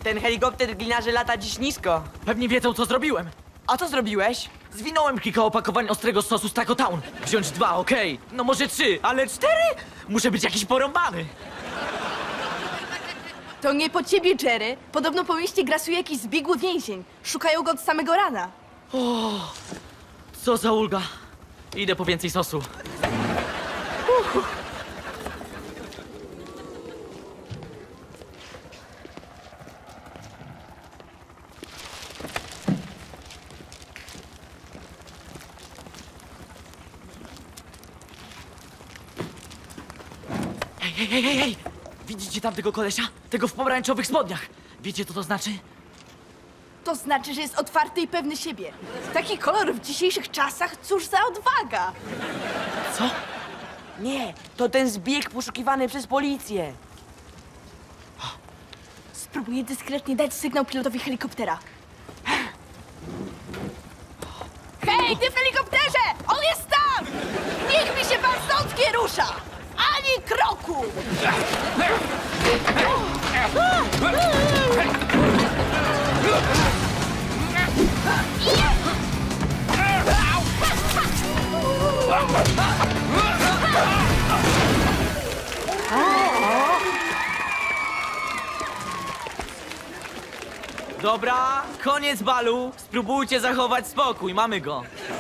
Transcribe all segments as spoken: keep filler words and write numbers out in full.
Ten helikopter gliniarzy lata dziś nisko. Pewnie wiedzą, co zrobiłem. A co zrobiłeś? Zwinąłem kilka opakowań ostrego sosu z Taco Town. Wziąć dwa, okej. No może trzy, ale cztery? Muszę być jakiś porąbany. To nie po ciebie, Jerry. Podobno po mieście grasuje jakiś zbiegły więzień. Szukają go od samego rana. Co za ulga. Idę po więcej sosu. Hej, hej, hej, hej, hej! Widzicie tamtego kolesia? Tego w pomarańczowych spodniach. Wiecie, co to znaczy? To znaczy, że jest otwarty i pewny siebie. Taki kolor w dzisiejszych czasach, cóż za odwaga. Co? Nie, to ten zbieg poszukiwany przez policję. Spróbuję dyskretnie dać sygnał pilotowi helikoptera. Hej, ty w helikopterze! On jest tam! Niech mi się pan stąd nie rusza! Ani kroku! Dobra, koniec balu. Spróbujcie zachować spokój, mamy go.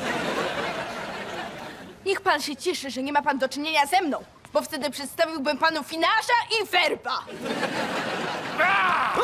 Niech pan się cieszy, że nie ma pan do czynienia ze mną, bo wtedy przedstawiłbym panu Finasza i Werba.